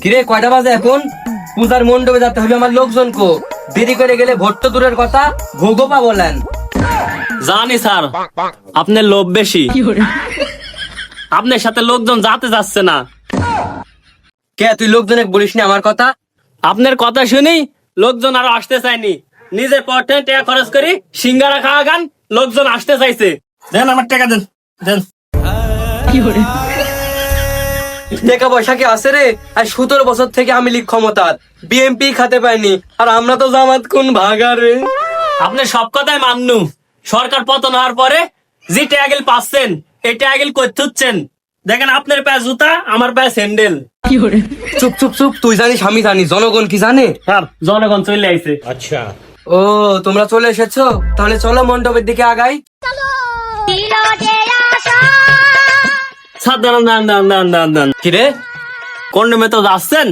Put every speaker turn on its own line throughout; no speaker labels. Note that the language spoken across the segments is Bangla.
কিরে কয়টা বাজে এখন? পূজার মণ্ডপে যেতে হবে আমার লোকজনকে। দেরি করে গেলে ভোট তো দূরের কথা, ভোগও পাবো না।
জানি স্যার, আপনার লোভ বেশি। আপনার সাথে লোকজন যাতে যাচ্ছে না।
কে তুই লোকজনে বলিস না আমার কথা?
আপনার কথা শুনি লোকজন আরো আসতে চায়নি। নিজের পথে টাকা খরচ করি সিঙ্গারা খাওয়া গান, লোকজন আসতে চাইছে। দেন আমার টাকা দেন, দেন।
টাকা পয়সা কি আছে রে? আর 17 বছর থেকে আমি লীগ ক্ষমতার, বিএমপি খাতে পাইনি, আর আমরা তো জামাত কোন ভাগা রে।
আপনি সব কথাই মান্নু। সরকার পতন হওয়ার পরে যে ট্যাগেল পাচ্ছেন, এই ট্যাগেল করতেছেন। দেখেন আপনার পায়ে জুতা, আমার পায়ে স্যান্ডেল।
চুপ চুপ চুপ, তুই জানিস আমি জানি, জনগণ কি জানে?
স্যার জনগণ চলে আইছে।
ও তোমরা চলে এসেছো, তাহলে চলো মণ্ডপের দিকে আগাই।
স্যার দাঁড়ান দাঁড়ান দাঁড়ান দাঁড়ান দাঁড়ান দাঁড়ান।
কিরে
কন্ডমে তো যাচ্ছেন?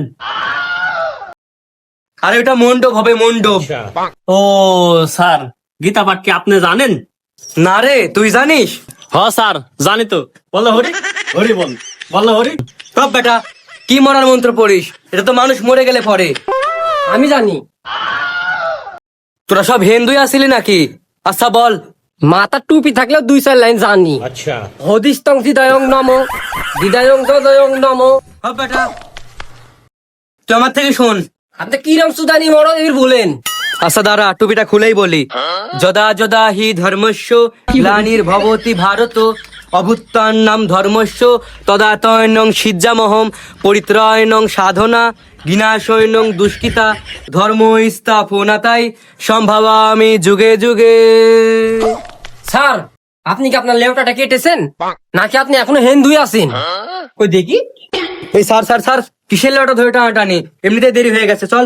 আরে ওটা মণ্ডপ হবে, মণ্ডপ।
ও স্যার, গীতা পাঠ কি আপনি জানেন?
না রে, তুই জানিস?
হ স্যার জানি তো। বলো হরি, হরি বল, বলো হরি।
সব বেটা, কি মরার মন্ত্র পড়িস? এটা তো মানুষ মরে গেলে পড়ে।
আমি জানি।
তোরা সব হিন্দুই আসিলি নাকি? আচ্ছা বল।
মাথা টুপি থাকলেও 2-4 লাইন জানি। আচ্ছা। হদিস্তং হৃদয়ং নম, হৃদয়ং হৃদয়ং নম।
সব বেটা, তুই আমার থেকে শোন।
আপনি কিরম সুদানি মরদ এর বলেন?
আচ্ছা দাঁড়া, টুপিটা খুলেই বলি। যদা যদা হি ধর্মস্য গ্লানির্ভবতি ভারত অভ্যুত্থানম ধর্মস্য তদাতয়নং সিজ্জামহম পরিত্রায়ণং সাধনা বিনাশয়নং দুষ্কৃতা ধর্ম স্থাপনাতাই সম্ভাবামি যুগে যুগে।
স্যার, আপনি কি আপনার লেউটাটা কেটেছেন নাকি আপনি এখনো হিন্দুই আছেন? কই দেখি।
এই স্যার স্যার স্যার, কিসের লটা ধরে টানাটানি? এমনিতে দেরি হয়ে গেছে, চল।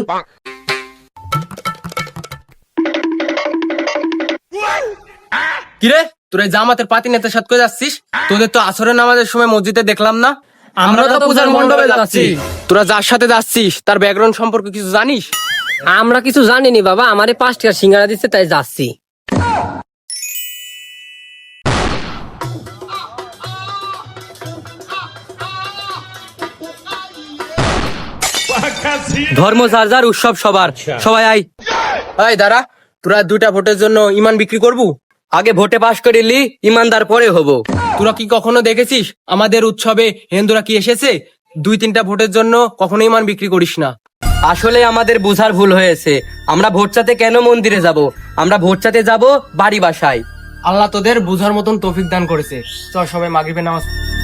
কিরে, তোরা জামাতের পাতি নেতার সাথে কই যাচ্ছিস? তোদের তো আসরের নামাজের সময় মসজিদে দেখলাম না। আমরা তো পূজার মণ্ডপে যাচ্ছি। তোরা যার সাথে যাচ্ছিস তার ব্যাকগ্রাউন্ড সম্পর্কে কিছু জানিস? আমরা কিছু জানিনি বাবা, আমারে 5 টাকা সিঙ্গারা দিচ্ছে তাই যাচ্ছি।
ধর্ম যার যার, উৎসব সবার, সবাই আই।
এই দাঁড়া, তোরা 2টা ভোটের জন্য ইমান বিক্রি করবু?
আগে ভোটে পাশ করিলি, ইমানদার পরে হবো।
তোরা কি কখনো দেখেছিস আমাদের উৎসবে হিন্দুরা কি এসেছে? 2-3টা ভোটের জন্য কখনো ইমান বিক্রি করিস না।
আসলে আমাদের বোঝার ভুল হয়েছে। আমরা ভোট চাতে কেন মন্দিরে যাব? আমরা ভোট চাতে যাব বাড়ি বাসায়।
আল্লাহ তোদের বুঝার মতন তৌফিক দান করেছে। চল সবাই মাগরিবের নামাজ